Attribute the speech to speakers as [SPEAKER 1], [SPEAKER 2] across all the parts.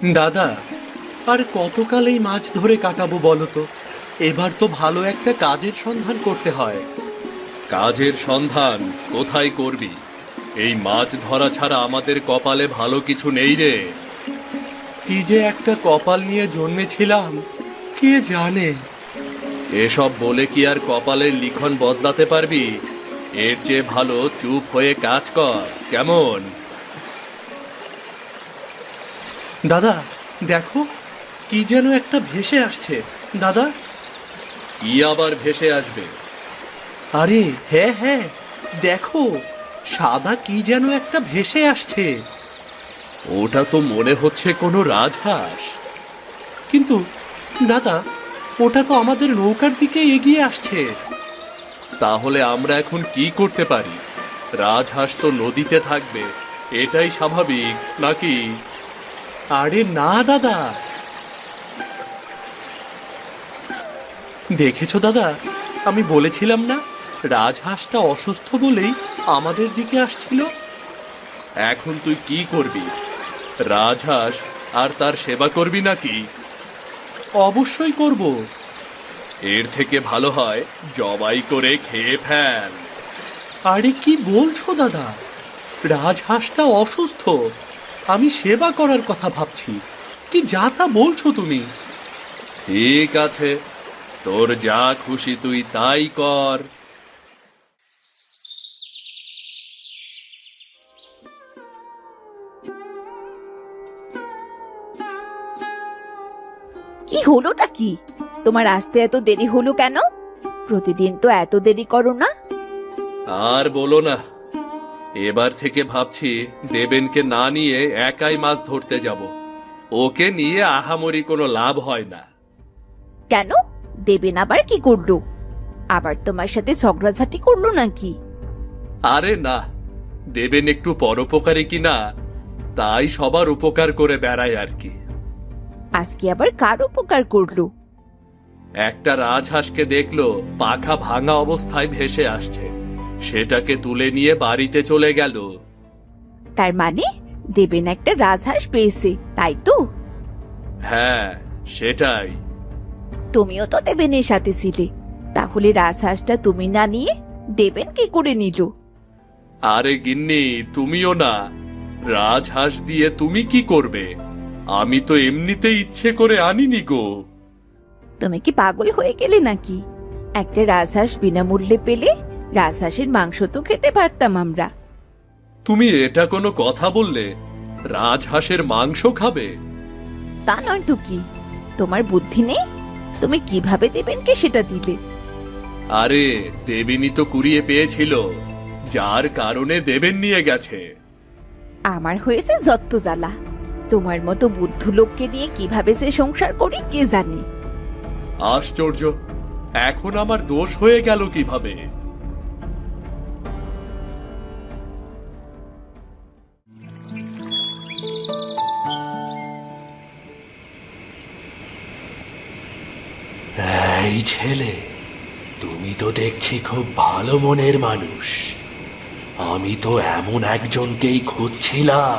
[SPEAKER 1] দাদা, আর কতকাল এই মাছ ধরে কাটাবো বলো তো? এবার তো ভালো একটা কাজের সন্ধান করতে হয়।
[SPEAKER 2] কাজের সন্ধান কোথায় করবি? এই মাছ ধরা ছাড়া আমাদের কপালে ভালো কিছু নেই রে।
[SPEAKER 1] কি যে একটা কপাল নিয়ে জন্মেছিলাম, কে জানে।
[SPEAKER 2] এসব বলে কি আর কপালের লিখন বদলাতে পারবি? এর চেয়ে ভালো চুপ হয়ে কাজ কর, কেমন?
[SPEAKER 1] দাদা দেখো, কি যেন একটা ভেসে আসছে। দাদা,
[SPEAKER 2] কি আবার ভেসে আসবে?
[SPEAKER 1] আরে হ্যাঁ হ্যাঁ, দেখো, সাদা কি যেন একটা ভেসে আসছে।
[SPEAKER 2] ওটা তো মনে হচ্ছে কোনো রাজহাঁস।
[SPEAKER 1] কিন্তু দাদা, ওটা তো আমাদের নৌকার দিকে এগিয়ে আসছে।
[SPEAKER 2] তাহলে আমরা এখন কি করতে পারি? রাজহাঁস তো নদীতে থাকবে, এটাই স্বাভাবিক নাকি?
[SPEAKER 1] আরে না দাদা, দেখেছো দাদা, আমি বলেছিলাম না, রাজহাঁসটা অসুস্থ বলেই আমাদের দিকে আসছিল।
[SPEAKER 2] এখন তুই কি করবি? রাজহাঁস আর তার সেবা করবি নাকি?
[SPEAKER 1] অবশ্যই করব।
[SPEAKER 2] এর থেকে ভালো হয় জবাই করে খেয়ে ফেল।
[SPEAKER 1] আরে কি বলছো দাদা, রাজহাঁসটা অসুস্থ, আমি সেবা করার কথা ভাবছি। কি যা তা বলছো তুমি?
[SPEAKER 2] ঠিক আছে, তোর যা খুশি তুই তাই কর।
[SPEAKER 3] কি হলোটা কি? তোমার আসতে এত দেরি হলো কেন? প্রতিদিন তো এত দেরি করো না।
[SPEAKER 2] আর বলো না, এবার থেকে ভাবছি দেবেনকে না নিয়ে একাই মাছ ধরতে যাব। ওকে নিয়ে আহামরি কোনো লাভ হয় না।
[SPEAKER 3] কেন? দেবেন আবার কি করলো? আবার তোমার সাথে ঝগড়াঝাটি করলো নাকি?
[SPEAKER 2] আরে না, দেবেন একটু পরোপকারী কিনা, তাই সবার উপকার করে বেড়ায় আর কি।
[SPEAKER 3] আজকে আবার কার উপকার করলো?
[SPEAKER 2] একটা রাজহাঁসকে দেখলো পাখা ভাঙা অবস্থায় ভেসে আসছে, সেটাকে তুলে নিয়ে বাড়িতে চলে গেল।
[SPEAKER 3] তার মানে দেবেন একটা রাজহাঁস পেয়েছে, তাই তো?
[SPEAKER 2] হ্যাঁ, সেটাই।
[SPEAKER 3] তুমিও তো দেবেনের সাথে ছিলে, তাহলে রাজহাঁসটা তুমি না নিয়ে দেবেন কি করে নিল?
[SPEAKER 2] আরে গিন্নি, তুমিও না, রাজহাঁস দিয়ে তুমি কি করবে? আমি তো এমনিতে ইচ্ছে করে আনিনি গো।
[SPEAKER 3] তুমি কি পাগল হয়ে গেলে নাকি? একটা রাজহাঁস বিনামূল্যে পেলে রাজহাঁসের মাংস তো খেতে পারতাম আমরা।
[SPEAKER 2] তুমি এটা কোনো কথা বললে? রাজহাঁসের মাংস খাবে?
[SPEAKER 3] তা নয় তো কি, তোমার বুদ্ধি নেই? তুমি কিভাবে দেবেনকে সেটা দিলে?
[SPEAKER 2] আরে দেবিনী তো কুড়িয়ে পেয়েছিল, যার কারণে দেবেন নিয়ে গেছে।
[SPEAKER 3] আমার হয়েছে যত্ত জ্বালা। তোমার মতো বুদ্ধ লোককে নিয়ে কিভাবে সে সংসার করি কে জানে।
[SPEAKER 2] আশ্চর্য, এখন আমার দোষ হয়ে গেল কিভাবে?
[SPEAKER 4] এই ছেলে, তুমি তো দেখছি খুব ভালো মনের মানুষ। আমি তো এমন একজনকেই খুঁজছিলাম।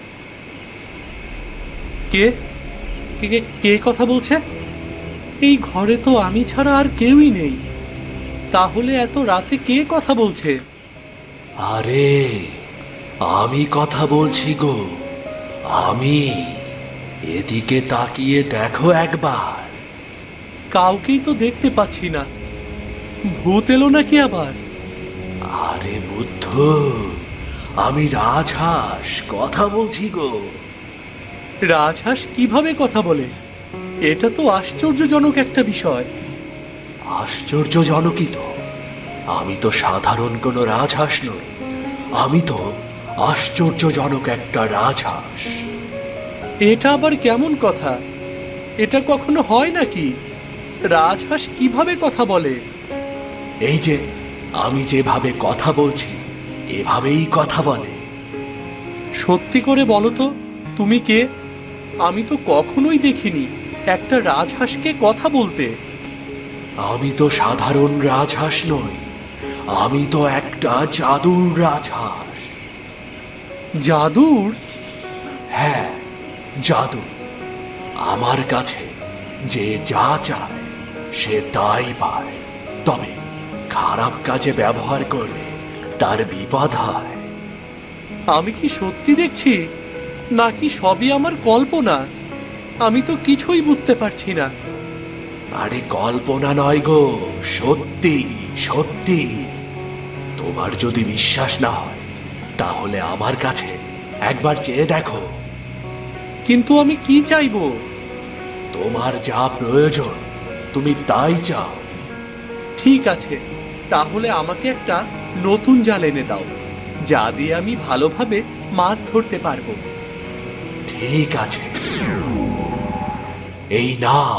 [SPEAKER 1] কে কে কে- কে কথা বলছে? এই ঘরে তো আমি ছাড়া আর কেউই নেই। তাহলে এত রাতে কে কথা বলছে?
[SPEAKER 4] আরে, আমি কথা বলছি গো, আমি। এদিকে তাকিয়ে দেখো একবার।
[SPEAKER 1] কাউকেই তো দেখতে পাচ্ছি না। ভূত এলো নাকি আবার?
[SPEAKER 4] আরে বুদ্ধ, আমি রাজহাঁস কথা বলছি গো।
[SPEAKER 1] রাজহাঁস কিভাবে কথা বলে? এটা তো আশ্চর্যজনক একটা বিষয়।
[SPEAKER 4] আশ্চর্যজনকই তো। আমি তো সাধারণ কোনো রাজহাঁস নই, আমি তো আশ্চর্যজনক একটা রাজহাঁস।
[SPEAKER 1] এটা আবার কেমন কথা? এটা কখনো হয় নাকি? রাজহাঁস কিভাবে কথা বলে?
[SPEAKER 4] এই যে আমি যেভাবে কথা বলছি, এভাবেই কথা বলে।
[SPEAKER 1] সত্যি করে বলো তো, তুমি কে? আমি তো কখনোই দেখিনি একটা রাজহাঁসকে কথা বলতে।
[SPEAKER 4] আমি তো সাধারণ রাজহাঁস নই, আমি তো একটা জাদুর রাজহাঁস।
[SPEAKER 1] জাদুর?
[SPEAKER 4] হ্যাঁ, জাদু। আমার কাছে যে যা চায় সে তাই পায়, তবে খারাপ কাজে ব্যবহার করলে তার বিপদ হয়।
[SPEAKER 1] আমি কি সত্যি দেখছি নাকি সবই আমার কল্পনা? আমি তো কিছুই বুঝতে পারছি না।
[SPEAKER 4] আরে কল্পনা নয় গো, সত্যি সত্যি। তোমার যদি বিশ্বাস না হয় তাহলে আমার কাছে একবার চেয়ে দেখো।
[SPEAKER 1] কিন্তু আমি কি চাইবো?
[SPEAKER 4] তোমার যা প্রয়োজন তুমি তাই চাও।
[SPEAKER 1] ঠিক আছে, তাহলে আমাকে একটা নতুন জাল এনে দাও, যা দিয়ে আমি ভালোভাবে মাছ ধরতে পারবো।
[SPEAKER 4] ঠিক আছে, এই নাও।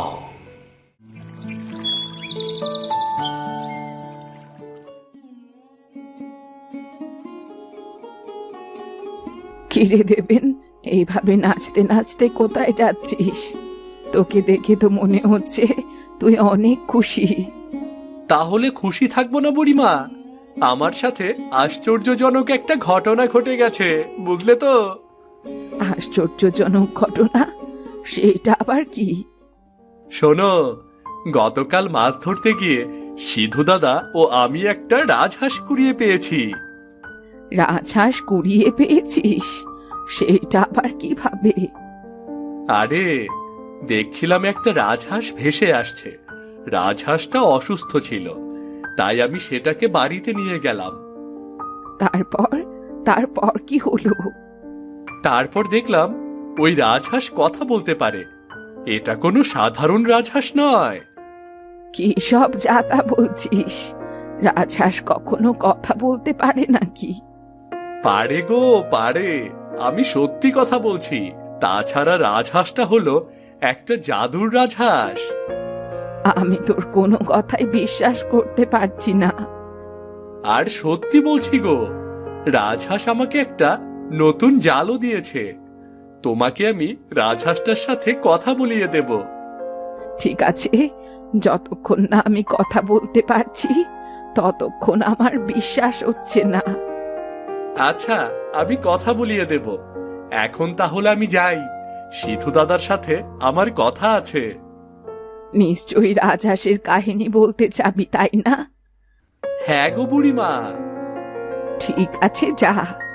[SPEAKER 3] কিরে দেবেন, এইভাবে নাচতে নাচতে কোথায় যাচ্ছিস? তোকে দেখে তো মনে হচ্ছে তুই অনেক খুশি।
[SPEAKER 1] তাহলে খুশি থাকবো না বুড়িমা? আমার সাথে আশ্চর্যজনক একটা ঘটনা ঘটে গেছে, বুঝলে তো?
[SPEAKER 3] আশ্চর্যজনক ঘটনা? সেটা আবার কি?
[SPEAKER 1] শোনো, গতকাল মাছ ধরতে গিয়ে সিধু দাদা ও আমি একটা রাজহাঁস কুড়িয়ে পেয়েছি।
[SPEAKER 3] রাজহাঁস কুড়িয়ে পেয়েছিস? সেটা আবার কিভাবে?
[SPEAKER 1] আরে, দেখছিলাম একটা রাজহাঁস ভেসে আসছে। রাজহাঁসটা অসুস্থ ছিল, তাই আমি সেটাকে বাড়িতে নিয়ে গেলাম।
[SPEAKER 3] তারপর তারপর কি হলো?
[SPEAKER 1] তারপর দেখলাম ওই রাজহাঁস কথা বলতে পারে। এটা কোনো সাধারণ রাজহাঁস নয়।
[SPEAKER 3] কি সব যাতা বলছিস? রাজহাঁস কখনো কথা বলতে পারে নাকি?
[SPEAKER 1] পারে গো, পারে। আমি সত্যি কথা বলছি। তাছাড়া রাজহাঁসটা হলো একটা জাদুর রাজহাঁস।
[SPEAKER 3] আমি তোর কোনো কথাই বিশ্বাস করতে পারছি না।
[SPEAKER 1] আর সত্যি বলছি গো, রাজহাঁস আমাকে একটা নতুন জালও দিয়েছে। তোমাকে আমি রাজহাঁসটার সাথে কথা বলিয়ে দেব।
[SPEAKER 3] ঠিক আছে, যতক্ষণ না আমি কথা বলতে পারছি ততক্ষণ আমার বিশ্বাস হচ্ছে না।
[SPEAKER 1] আচ্ছা, আমি কথা বলিয়ে দেব। এখন তাহলে আমি যাই। সিধু দাদার সাথে আমার কথা আছে।
[SPEAKER 3] নিশ্চয়ই রাজহাঁসের কাহিনী বলতে চাবি, তাই না?
[SPEAKER 1] হ্যাঁ গো বুড়িমা।
[SPEAKER 3] ঠিক আছে, যা।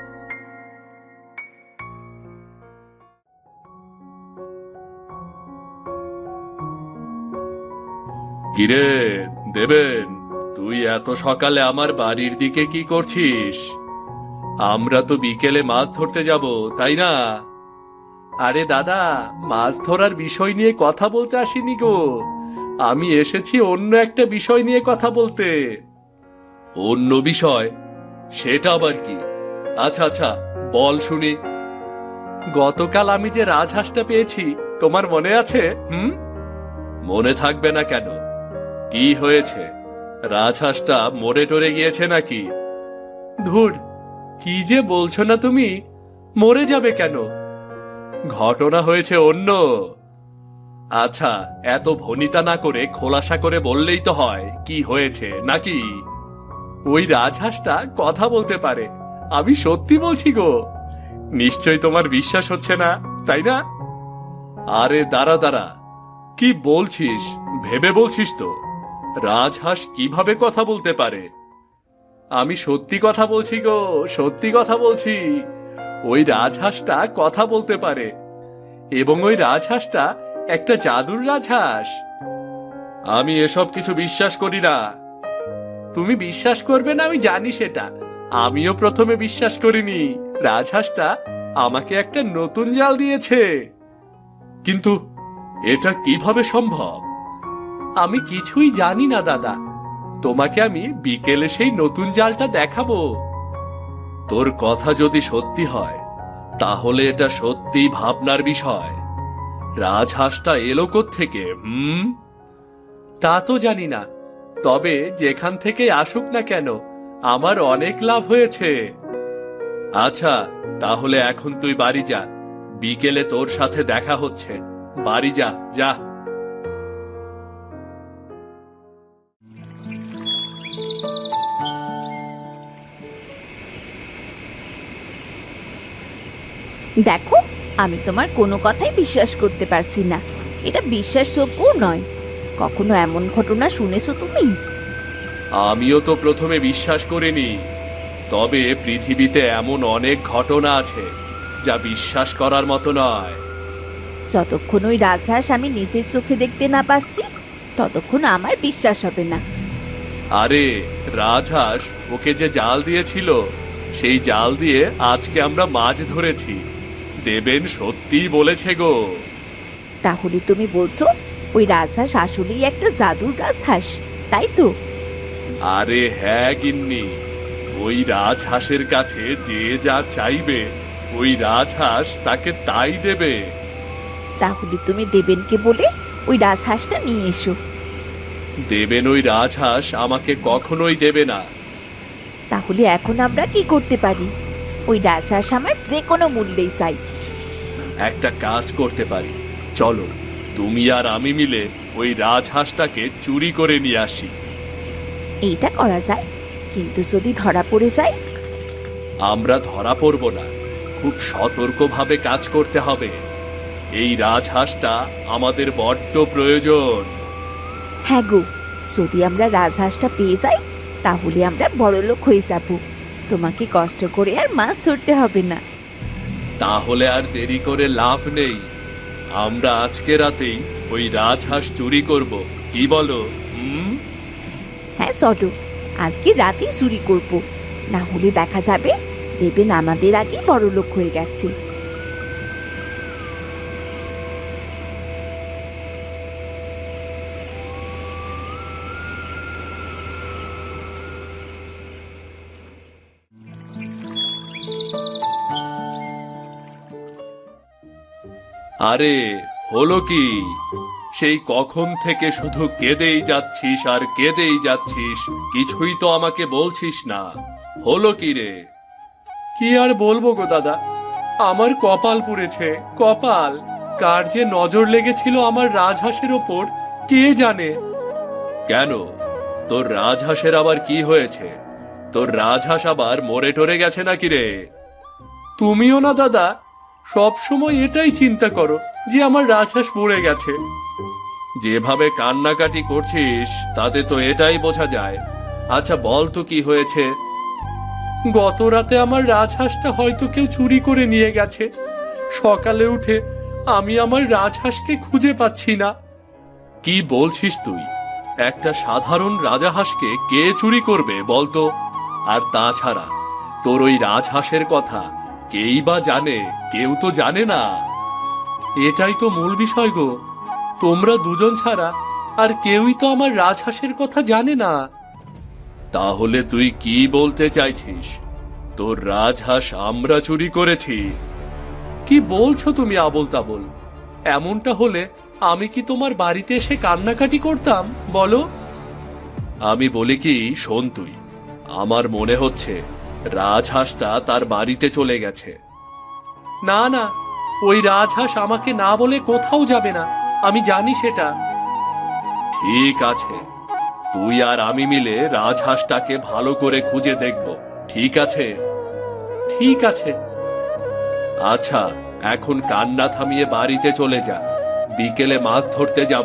[SPEAKER 2] কিরে দেবেন, তুই এত সকালে আমার বাড়ির দিকে কি করছিস? আমরা তো বিকেলে মাছ ধরতে যাব, তাই না?
[SPEAKER 1] আরে দাদা, মাছ ধরার বিষয় নিয়ে কথা বলতে আসিনি গো। আমি এসেছি অন্য একটা বিষয় নিয়ে কথা বলতে।
[SPEAKER 2] অন্য বিষয়? সেটা আবার কি? আচ্ছা আচ্ছা, বল শুনি।
[SPEAKER 1] গতকাল আমি যে রাজহাঁসটা পেয়েছি, তোমার মনে আছে?
[SPEAKER 2] মনে থাকবে না কেন? কি হয়েছে? রাজহাঁসটা মরে টরে গিয়েছে নাকি?
[SPEAKER 1] ধুর, কি যে বলছো না তুমি! মরে যাবে কেন?
[SPEAKER 2] ঘটনা হয়েছে অন্য। আচ্ছা, এত ভনিতা না করে খোলাসা করে বললেই তো হয় কি হয়েছে, নাকি?
[SPEAKER 1] ওই রাজহাঁসটা কথা বলতে পারে। আমি সত্যি বলছি গো। নিশ্চয় তোমার বিশ্বাস হচ্ছে না, তাই না?
[SPEAKER 2] আরে দাঁড়া দাঁড়া, কি বলছিস? ভেবে বলছিস তো? রাজহাঁস কিভাবে কথা বলতে পারে?
[SPEAKER 1] আমি সত্যি কথা বলছি গো, সত্যি কথা বলছি। ওই রাজহাঁসটা কথা বলতে পারে, এবং ওই রাজহাঁসটা একটা জাদুর রাজহাঁস।
[SPEAKER 2] আমি এসব কিছু বিশ্বাস করি না।
[SPEAKER 1] তুমি বিশ্বাস করবে না আমি জানি সেটা। আমিও প্রথমে বিশ্বাস করিনি। রাজহাঁসটা আমাকে একটা নতুন জাল দিয়েছে।
[SPEAKER 2] কিন্তু এটা কিভাবে সম্ভব?
[SPEAKER 1] আমি কিছুই জানি না দাদা। তোমাকে আমি বিকেলে সেই নতুন জালটা দেখাবো।
[SPEAKER 2] তোর কথা যদি সত্যি হয় তাহলে এটা সত্যি ভাবনার বিষয়। রাজহাঁসটা এলো কোত্থেকে?
[SPEAKER 1] তা তো জানি না, তবে যেখান থেকে আসুক না কেন আমার অনেক লাভ হয়েছে।
[SPEAKER 2] আচ্ছা, তাহলে এখন তুই বাড়ি যা। বিকেলে তোর সাথে দেখা হচ্ছে। বাড়ি যা, যা।
[SPEAKER 3] দেখো,
[SPEAKER 5] আমি তোমার কোনো কথাই বিশ্বাস করতে পারছি না। এটা বিশ্বাসযোগ্য নয়। কখনো এমন ঘটনা শুনেছো তুমি?
[SPEAKER 2] আমিও তো প্রথমে বিশ্বাস করিনি, তবে পৃথিবীতে এমন অনেক ঘটনা আছে যা বিশ্বাস করার মতো নয়।
[SPEAKER 5] যতক্ষণ ওই রাজহাঁস আমি নিজের চোখে দেখতে না পাচ্ছি ততক্ষণ আমার বিশ্বাস হবে না।
[SPEAKER 2] আরে রাজহাঁস ওকে যে জাল দিয়েছিল, সেই জাল দিয়ে আজকে আমরা মাছ ধরেছি। দেবেন সত্যিই বলেছে গো।
[SPEAKER 5] তাহলে তুমি বলছো ওই রাজহাঁস আসলেই একটা জাদুর রাজহাঁস, তাই তো?
[SPEAKER 2] আরে হ্যাঁ গিন্নি, ওই রাজহাঁসের কাছে যে যা চাইবে ওই রাজহাঁস তাকে তাই দেবে।
[SPEAKER 5] তাহলে তুমি দেবেনকে বলে ওই রাজহাঁসটা নিয়ে এসো।
[SPEAKER 2] দেবেন ওই রাজহাঁস আমাকে কখনোই দেবে না।
[SPEAKER 5] তাহলে এখন আমরা কি করতে পারি? ওই রাজহাঁস আমার যে কোনো মূল্যেই চাই।
[SPEAKER 2] একটা কাজ করতে পারি, চলো তুমি আর আমি মিলে ওই রাজহাঁসটাকে চুরি করে নিয়ে আসি।
[SPEAKER 5] এইটা করা যায়, কিন্তু যদি ধরা পড়ে যায়?
[SPEAKER 2] আমরা ধরা পড়ব না, খুব সতর্কভাবে কাজ করতে হবে। এই রাজহাঁসটা আমাদের বড্ড প্রয়োজন।
[SPEAKER 5] হ্যাঁ গো, যদি আমরা রাজহাঁসটা পেয়ে যাই তাহলে আমরা বড়লোক হয়ে যাব। তোমাকে কষ্ট করে আর মাছ ধরতে হবে না।
[SPEAKER 2] তাহলে আর দেরি করে লাভ নেই, আমরা আজকে রাতেই ওই রাজহাঁস চুরি করব, কি বলো?
[SPEAKER 5] হ্যাঁ চলো, আজকে রাতেই চুরি করব, না হলে দেখা যাবে দেবেন আমাদের আগে বড়লোক হয়ে গেছে।
[SPEAKER 2] আরে হলো কি? সেই কখন থেকে শুধু কেঁদেই যাচ্ছিস আর কেঁদেই যাচ্ছিস, কিছুই তো আমাকে বলছিস না। হলো কি রে?
[SPEAKER 1] কি আর বলবো গো দাদা, আমার কপাল পুড়েছে, কপাল। কার যে নজর লেগেছিল আমার রাজহাঁসের ওপর কে জানে।
[SPEAKER 2] কেন, তোর রাজহাঁসের আবার কি হয়েছে? তোর রাজহাঁস আবার মরে টরে গেছে নাকি রে?
[SPEAKER 1] তুমিও না দাদা, সব সময় এটাই চিন্তা করো যে আমার রাজহাঁস মরে গেছে।
[SPEAKER 2] যেভাবে কান্নাকাটি করছিস তাতে তো এটাই বোঝা যায়। আচ্ছা বল তো কি হয়েছে?
[SPEAKER 1] গত রাতে আমার রাজহাঁসটা হয়তো কেউ চুরি করে নিয়ে গেছে। সকালে উঠে আমি আমার রাজহাঁসকে খুঁজে পাচ্ছি না।
[SPEAKER 2] কি বলছিস তুই? একটা সাধারণ রাজহাঁসকে কে চুরি করবে বলতো? আর তাছাড়া তোর ওই রাজহাঁসের কথা কেই বা জানে? কেউ তো জানে না।
[SPEAKER 1] এটাই তো মূল বিষয় গো, তোমরা দুজন ছাড়া আর কেউই তো আমার রাজহাঁসের কথা জানে না।
[SPEAKER 2] তাহলে তুই কি বলতে চাইছিস? তোর রাজহাঁস আমরা চুরি করেছি?
[SPEAKER 1] কি বলছো তুমি আবোল তাবোল? এমনটা হলে আমি কি তোমার বাড়িতে এসে কান্নাকাটি করতাম বলো?
[SPEAKER 2] আমি বলি কি, শোন তুই, আমার মনে হচ্ছে রাজহাঁসটা তার বাড়িতে চলে গেছে।
[SPEAKER 1] না না, ওই রাজহাঁস আমাকে না বলে কোথাও যাবে না, আমি জানি সেটা।
[SPEAKER 2] ঠিক আছে, তুই আর আমি মিলে রাজহাঁসটাকে ভালো করে খুঁজে দেখব, ঠিক আছে?
[SPEAKER 1] ঠিক আছে।
[SPEAKER 2] আচ্ছা, এখন কান্না থামিয়ে বাড়িতে চলে যা, বিকেলে মাছ ধরতে যাব।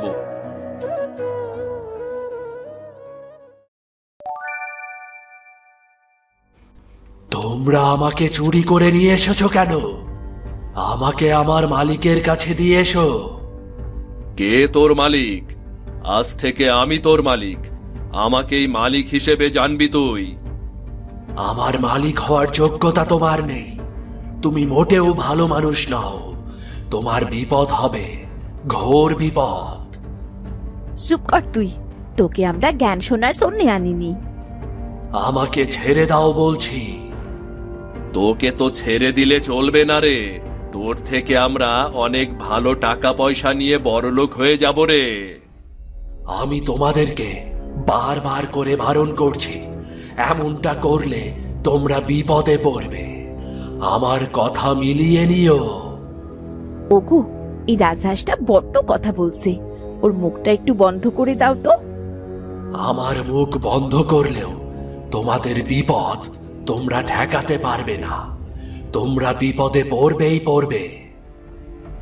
[SPEAKER 4] তোমরা আমাকে চুরি করে নিয়ে এসেছো কেন? আমাকে আমার মালিকের কাছে দিয়ে এসো।
[SPEAKER 2] কে তোর মালিক? আজ থেকে আমি তোর মালিক, আমাকেই মালিক হিসেবে জানবি তুই।
[SPEAKER 4] আমার মালিক হওয়ার যোগ্যতা তোমার নেই। তুমি মোটেও ভালো মানুষ নও। তোমার বিপদ হবে, ঘোর বিপদ।
[SPEAKER 5] চুপ কর তুই, তোকে আমরা জ্ঞান শোনার জন্য আনিনি।
[SPEAKER 4] আমাকে ছেড়ে দাও বলছি।
[SPEAKER 2] তোকে তো ছেড়ে দিলে চলবে না রে, তোর থেকে আমরা অনেক ভালো টাকা পয়সা নিয়ে বড়লোক হয়ে যাব রে।
[SPEAKER 4] আমি তোমাদেরকে বারবার করে বারণ করছি, এমনটা করলে তোমরা বিপদে পড়বে। আমার কথা মিলিয়ে নিও।
[SPEAKER 5] ওগো, এই রাজহাঁসটা বড্ড কথা বলছে, ওর মুখটা একটু বন্ধ করে দাও তো।
[SPEAKER 4] আমার মুখ বন্ধ করলেও তোমাদের বিপদ তোমরা ঠেকাতে পারবে না। তোমরা বিপদে পড়বেই পড়বে।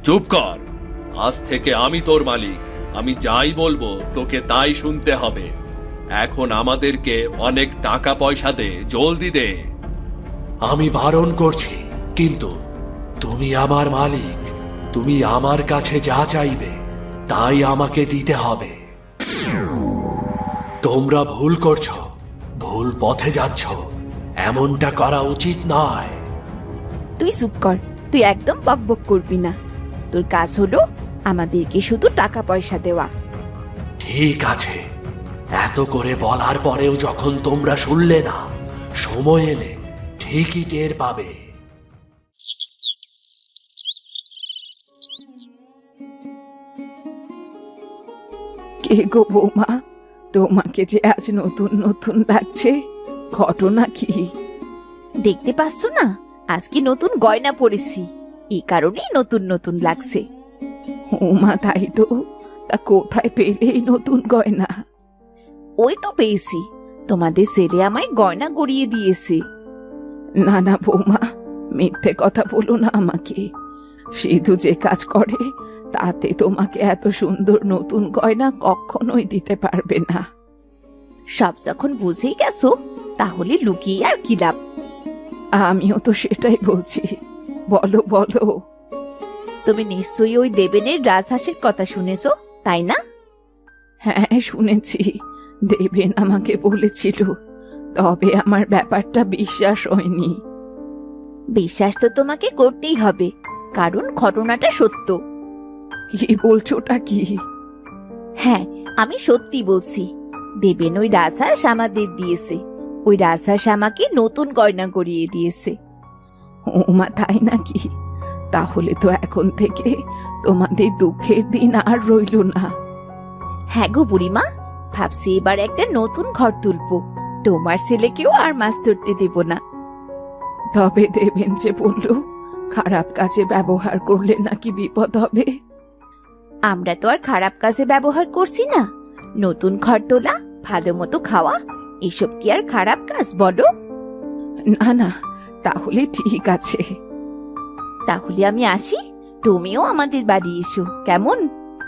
[SPEAKER 2] চুপ কর। আজ থেকে আমি তোর মালিক। আমি যাই বলবো তোকে তাই শুনতে হবে। এখন আমাদেরকে অনেক টাকা পয়সা দে, জলদি দে।
[SPEAKER 4] আমি বারণ করছি, কিন্তু তুমি আমার মালিক। তুমি আমার কাছে যা চাইবে তাই আমাকে দিতে হবে। তোমরা ভুল করছো, ভুল পথে যাচ্ছ। এমনটা করা উচিত নয়।
[SPEAKER 5] তুই চুপ কর, তুই একদম বকবক করবি না। তোর কাজ হলো আমাদেরকে শুধু টাকা পয়সা দেওয়া।
[SPEAKER 4] ঠিক আছে, এত করে বলার পরেও যখন তোমরা শুনলে না, সময় এলে ঠিকই টের পাবে।
[SPEAKER 3] কে গো বৌমা, তোমাকে যে আজ নতুন নতুন লাগছে, ঘটনা কি?
[SPEAKER 5] দেখতে পাচ্ছ না, আজকে নতুন গয়না পরেছি, এই কারণেই নতুন নতুন লাগছে।
[SPEAKER 3] ওমা তাই তো, তা কোথায় পেলে এই নতুন গয়না?
[SPEAKER 5] ওই তো পেয়েছি, তোমাদের ছেলে আমায় গয়না গড়িয়ে দিয়েছে।
[SPEAKER 3] না না বৌমা, মিথ্যে কথা বলো না আমাকে। সিধু যে কাজ করে তাতে তোমাকে এত সুন্দর নতুন গয়না কখনোই দিতে পারবে না।
[SPEAKER 5] সব যখন বুঝেই গেছো, তাহলে লুকিয়ে আর কি লাভ?
[SPEAKER 3] আমিও তো সেটাই বলছি, বলো বলো।
[SPEAKER 5] তুমি নিশ্চয়ই ওই দেবেনের রাজহাঁসের কথা শুনেছো, তাই না?
[SPEAKER 3] হ্যাঁ শুনেছি, দেবেন আমাকে বলেছিল, তবে আমার ব্যাপারটা বিশ্বাস হয়নি।
[SPEAKER 5] বিশ্বাস তো তোমাকে করতেই হবে, কারণ ঘটনাটা সত্য।
[SPEAKER 3] কি বলছোটা কি?
[SPEAKER 5] হ্যাঁ, আমি সত্যি বলছি। দেবেন ওই রাজহাঁস আমাদের দিয়েছে, ওই রাজহাঁস আমাকে নতুন গয়না গড়িয়ে দিয়েছে।
[SPEAKER 3] ওমা তাই নাকি? তাহলে তো এখন থেকে তোমাদের দুঃখের দিন আর রইল না।
[SPEAKER 5] হ্যাঁ গো বুড়িমা, ভাবছি এবার একটা নতুন ঘর তুলবো, তোমার ছেলেকেও আর মাছ ধরতে দেব না।
[SPEAKER 3] তবে দেবেন যে বলল খারাপ কাজে ব্যবহার করলে নাকি বিপদ হবে।
[SPEAKER 5] আমরা তো আর খারাপ কাজে ব্যবহার করছি না। নতুন ঘর তোলা, ভালো মতো খাওয়া, এসব কি আর খারাপ কাজ বলো?
[SPEAKER 3] না না, তাহলে ঠিক আছে।
[SPEAKER 5] তাহলে আমি আসি, তুমিও আমাদের বাড়ি এসো, কেমন?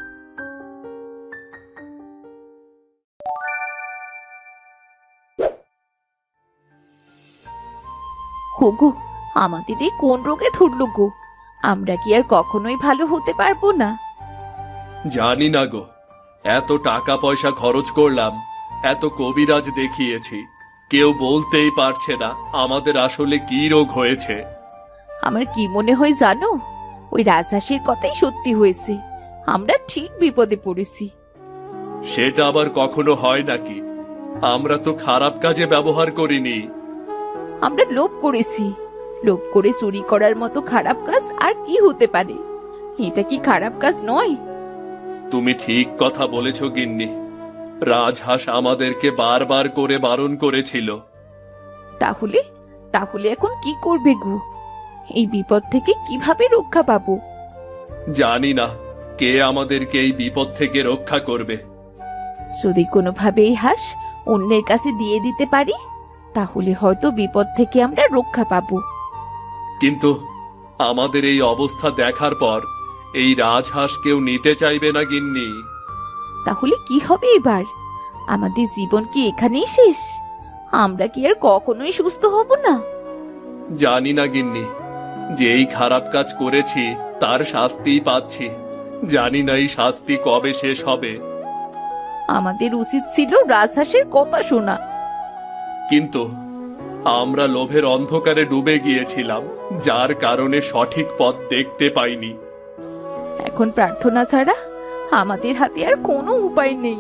[SPEAKER 5] হোগো, আমাদের এই কোন রোগে ধরলো গো? আমরা কি আর কখনোই ভালো হতে পারবো না?
[SPEAKER 2] জানি না গো, এত টাকা পয়সা খরচ করলাম, এত কবিরাজ দেখিয়েছি, কেউ বলতেই পারছে না আমাদের আসলে কি রোগ হয়েছে।
[SPEAKER 5] আমার কি মনে হয় জানো, ওই রাজহাঁসের কথাই সত্যি হয়েছে। আমরা ঠিক বিপদে পড়েছি।
[SPEAKER 2] সেটা আবার কখনো হয় নাকি? আমরা তো খারাপ কাজে ব্যবহার করিনি।
[SPEAKER 5] আমরা লোভ করেছি। লোভ করে চুরি করার মতো খারাপ কাজ আর কি হতে পারে? এটা কি খারাপ কাজ নয়?
[SPEAKER 2] তুমি ঠিক কথা বলেছ গিন্নি। রাজহাঁস আমাদেরকে বারবার করে বারণ করেছিল।
[SPEAKER 5] তাহলে তাহলে এখন কি করবে গো? এই বিপদ থেকে কিভাবে রক্ষা পাবো?
[SPEAKER 2] জানি না কে আমাদেরকে এই বিপদ থেকে রক্ষা করবে।
[SPEAKER 5] যদি কোনোভাবে এই হাঁস অন্যের কাছে দিয়ে দিতে পারি, তাহলে হয়তো বিপদ থেকে আমরা রক্ষা পাবো।
[SPEAKER 2] কিন্তু আমাদের এই অবস্থা দেখার পর এই রাজহাঁস কেউ নিতে চাইবে না গিন্নি।
[SPEAKER 5] তাহলে কি হবে এবার? আমাদের জীবন কি এখানেই শেষ? আমরা কি আর কখনোই সুস্থ হব না?
[SPEAKER 2] জানি না গিন্নি, যেই খারাপ কাজ করেছি তার শাস্তিই পাচ্ছি। জানি না এই শাস্তি কবে শেষ হবে।
[SPEAKER 5] আমাদের উচিত ছিল রাজহাঁসের কথা শোনা।
[SPEAKER 2] কিন্তু আমরা লোভের অন্ধকারে ডুবে গিয়েছিলাম, যার কারণে সঠিক পথ দেখতে পাইনি।
[SPEAKER 5] এখন প্রার্থনা ছাড়া আমাদের হাতে আর কোনো উপায় নেই।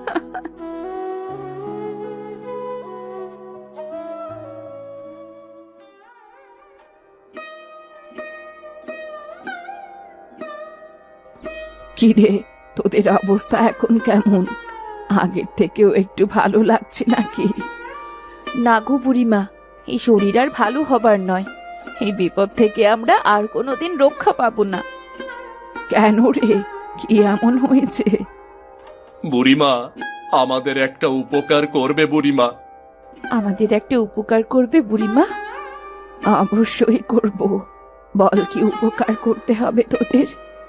[SPEAKER 3] কিরে, তোদের অবস্থা এখন কেমন? আগের থেকেও একটু ভালো লাগছে নাকি?
[SPEAKER 5] না গো বুড়িমা, এই শরীর আর ভালো হবার নয়। এই বিপদ থেকে আমরা আর কোনোদিন রক্ষা পাবো না।
[SPEAKER 3] কেন রে, কি এমন হয়েছে?
[SPEAKER 2] বুড়িমা, আমাদের একটা উপকার করবে বুড়িমা?
[SPEAKER 5] আমাদের একটা উপকার করবে বুড়িমা?
[SPEAKER 3] অবশ্যই করব। বল কি উপকার করতে হবে তোদের?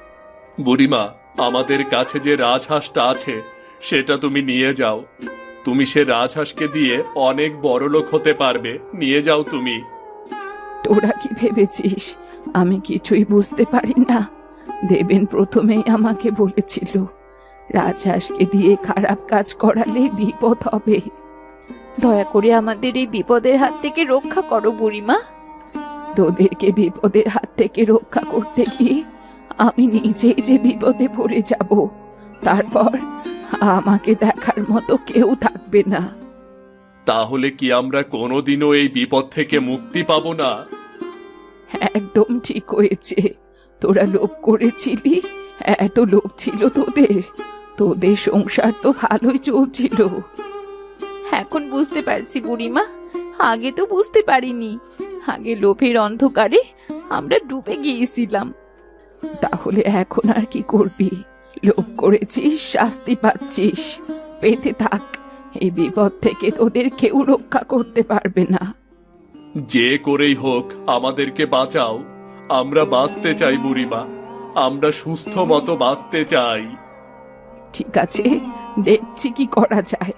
[SPEAKER 2] বুড়িমা, আমাদের কাছে যে রাজহাঁসটা আছে সেটা তুমি নিয়ে যাও। তুমি সে রাজহাঁসকে দিয়ে অনেক বড়লোক হতে পারবে, নিয়ে যাও তুমি।
[SPEAKER 3] তোরা কি ভেবেছিস আমি কিছুই বুঝতে পারি না? দেবেন প্রথমেই আমাকে বলেছিল রাজহাঁসকে দিয়ে খারাপ কাজ করালে বিপদ হবে।
[SPEAKER 5] দয়া করে আমাদের এই বিপদের হাত থেকে রক্ষা করো বুড়িমা।
[SPEAKER 3] তোদেরকে বিপদের হাত থেকে রক্ষা করতে গিয়ে আমি নিজেই যে বিপদে পড়ে যাব, তারপর আমাকে দেখার মতো কেউ থাকবে না।
[SPEAKER 2] তাহলে কি আমরা কোনোদিনও এই বিপদ থেকে মুক্তি পাবো না?
[SPEAKER 3] একদম ঠিক হয়েছে। তোরা লোভ করেছিলি, এত লোভ ছিল তোদের। তোদের সংসার তো ভালোই চলছিল।
[SPEAKER 5] এখন বুঝতে পারছি বুড়িমা, আগে তো বুঝতে পারিনি। আগে লোভের অন্ধকারে আমরা ডুবে গিয়েছিলাম।
[SPEAKER 3] তাহলে এখন আর কি করবি? লোভ করেছিস, শাস্তি পাচ্ছিস, পেতে থাক। এই বিপদ থেকে তোদের কেউ রক্ষা করতে পারবে না।
[SPEAKER 2] যে করেই হোক আমাদেরকে বাঁচাও। আমরা বাঁচতে চাই বুড়িমা, আমরা সুস্থ মতো বাঁচতে চাই।
[SPEAKER 3] ঠিক আছে, দেখছি কি করা যায়।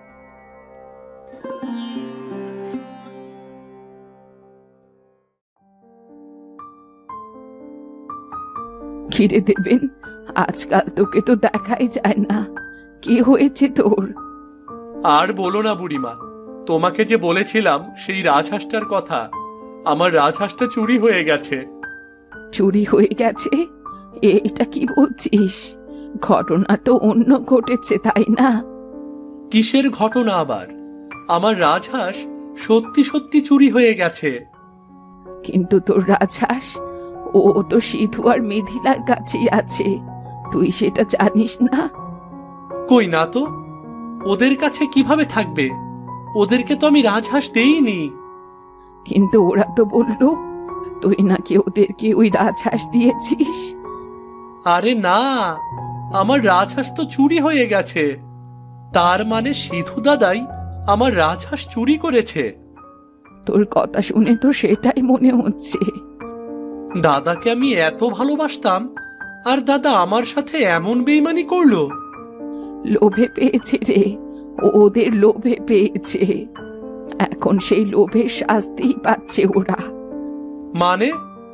[SPEAKER 3] ঘিরে দেবেন, আজকাল তোকে তো দেখাই যায় না। কি হয়েছে তোর?
[SPEAKER 1] আর বলো না বুড়িমা, তোমাকে যে বলেছিলাম সেই রাজহাঁসটার কথা, আমার রাজহাঁসটা চুরি হয়ে গেছে।
[SPEAKER 3] চুরি হয়ে গেছে? এটা কি বলছিস? ঘটনা তো অন্য ঘটেছে, তাই না?
[SPEAKER 1] কিসের ঘটনা আবার? আমার রাজহাঁস সত্যি সত্যি চুরি হয়ে গেছে।
[SPEAKER 3] কিন্তু তোর রাজহাঁস, ও তো সিধু আর মিথিলার কাছেই আছে। তুই সেটা জানিস না?
[SPEAKER 1] কই না তো, ওদের কাছে কিভাবে থাকবে? ওদেরকে তো আমি রাজহাঁস দেইনি।
[SPEAKER 3] কিন্তু ওরা তো বললো তুই নাকি ওদেরকে ওই রাজহাঁস দিয়েছিস।
[SPEAKER 1] আরে না, আমার রাজহাঁস তো চুরি হয়ে গেছে। তার মানে সিধু দাদাই আমার রাজহাঁস চুরি করেছে।
[SPEAKER 3] তোর কথা শুনে তো সেটাই মনে হচ্ছে।
[SPEAKER 1] দাদাকে আমি এত ভালোবাসতাম, আর দাদা আমার সাথে এমন বেইমানি করলো।
[SPEAKER 3] লোভে পেয়েছে রে, ওদের লোভে পেয়েছে। এখন সেই লোভের শাস্তি পাচ্ছে ওরা।
[SPEAKER 1] মানে?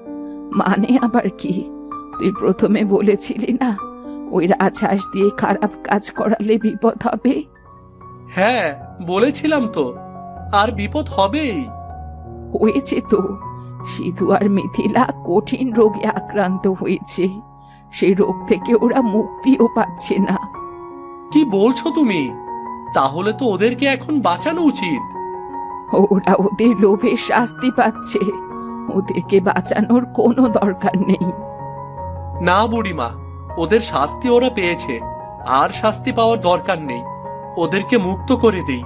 [SPEAKER 3] মানে আবার কি? তুই প্রথমে বলেছিলি না ওই রাজহাঁস দিয়ে খারাপ কাজ করালে বিপদ হবে?
[SPEAKER 1] হ্যাঁ, বলেছিলাম তো, আর বিপদ হবেই।
[SPEAKER 3] হয়েছে তো। সিধু আর মিথিলা কঠিন রোগে আক্রান্ত হয়েছে। সেই রোগ থেকে ওরা মুক্তিও পাচ্ছে না।
[SPEAKER 1] কি বলছো তুমি? তাহলে তো ওদেরকে এখন বাঁচানো উচিত।
[SPEAKER 3] ওরা ওদের লোভের শাস্তি পাচ্ছে, ওদেরকে বাঁচানোর কোনো দরকার নেই।
[SPEAKER 1] না বুড়িমা, ওদের শাস্তি ওরা পেয়েছে, আর শাস্তি পাওয়ার দরকার নেই। ওদেরকে মুক্ত করে দেই।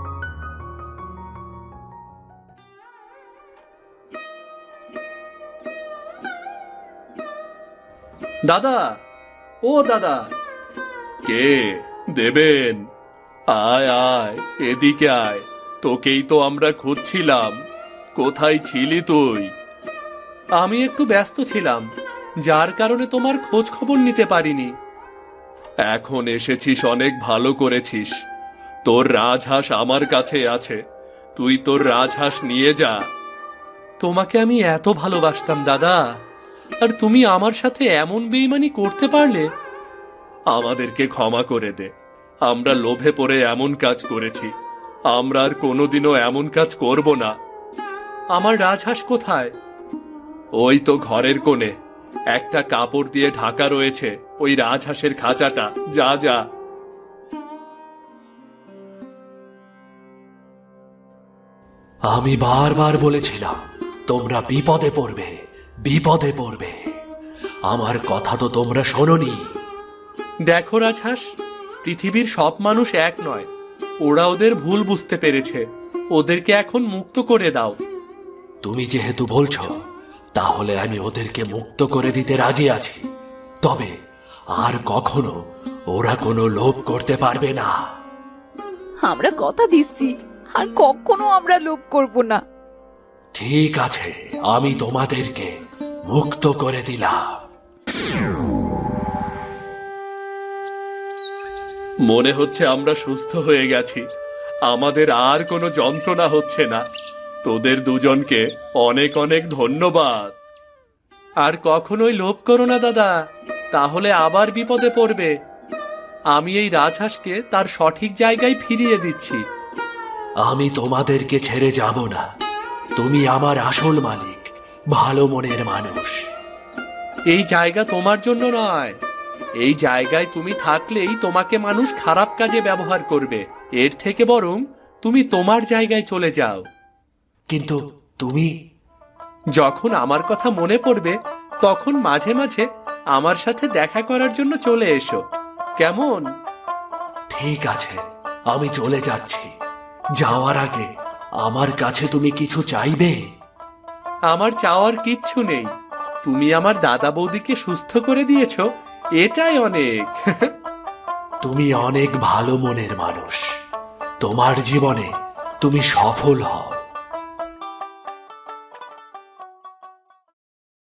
[SPEAKER 1] দাদা, ও দাদা।
[SPEAKER 2] কে? দেবেন? আয় আয়, এদিকে আয়। তোকেই তো আমরা খুঁজছিলাম। কোথায় ছিলি তুই?
[SPEAKER 1] আমি একটু ব্যস্ত ছিলাম, যার কারণে তোমার খোঁজ খবর নিতে পারিনি।
[SPEAKER 2] এখন এসেছিস, অনেক ভালো করেছিস। তোর রাজহাঁস আমার কাছে আছে, তুই তোর রাজহাঁস নিয়ে যা।
[SPEAKER 1] তোমাকে আমি এত ভালোবাসতাম দাদা, আর তুমি আমার সাথে এমন বেইমানি করতে পারলে?
[SPEAKER 2] আমাদেরকে ক্ষমা করে দে, আমরা লোভে পড়ে এমন কাজ করেছি। আমরা আর কোনোদিনও এমন কাজ করব না।
[SPEAKER 1] আমার রাজহাঁস কোথায়?
[SPEAKER 2] ওই তো ঘরের কোণে একটা কাপড় দিয়ে ঢাকা রয়েছে, ওই রাজহাঁসের খাঁচাটা। যা যা।
[SPEAKER 4] আমি বারবার বলেছিলাম তোমরা বিপদে পড়বে, বিপদে পড়বে। আমার কথা তো তোমরা শোনোনি।
[SPEAKER 1] দেখো রাজহাঁস, পৃথিবীর সব মানুষ এক নয়। ওরা ওদের ভুল বুঝতে পেরেছে। ওদেরকে এখন মুক্ত করে দাও।
[SPEAKER 4] তুমি যেহেতু বলছো, তাহলে আমি ওদেরকে মুক্ত করে দিতে রাজি আছি। তবে আর কখনো ওরা কোনো লোভ করতে পারবে না।
[SPEAKER 5] আমরা কথা দিচ্ছি, আর কখনো আমরা লোভ করব না।
[SPEAKER 4] ঠিক আছে, আমি তোমাদেরকে মুক্ত করে দিলাম।
[SPEAKER 2] মনে হচ্ছে আমরা সুস্থ হয়ে গেছি, আমাদের আর কোনো যন্ত্রণা হচ্ছে না। তোদের দুজনকে অনেক অনেক ধন্যবাদ।
[SPEAKER 1] আর কখনোই লোভ করো না দাদা, তাহলে আবার বিপদে পড়বে। আমি এই রাজহাঁসকে তার সঠিক জায়গায় ফিরিয়ে দিচ্ছি।
[SPEAKER 4] আমি তোমাদেরকে ছেড়ে যাব না। তুমি আমার আসল মালিক, ভালো মনের মানুষ।
[SPEAKER 1] এই জায়গা তোমার জন্য নয়। এই জায়গায় তুমি থাকলেই তোমাকে মানুষ খারাপ কাজে ব্যবহার করবে। এর থেকে বরং তুমি তোমার জায়গায় চলে যাও।
[SPEAKER 4] কিন্তু তুমি
[SPEAKER 1] যখন আমার কথা মনে পড়বে তখন মাঝে মাঝে আমার সাথে দেখা করার জন্য চলে এসো, কেমন?
[SPEAKER 4] ঠিক আছে, আমি চলে যাচ্ছি। যাওয়ার আগে আমার কাছে তুমি কিছু চাইবে?
[SPEAKER 1] আমার চাওয়ার কিচ্ছু নেই। তুমি আমার দাদা বৌদিকে সুস্থ করে দিয়েছো, এটাই অনেক।
[SPEAKER 4] তুমি অনেক ভালো মনের মানুষ। তোমার জীবনে তুমি সফল হও।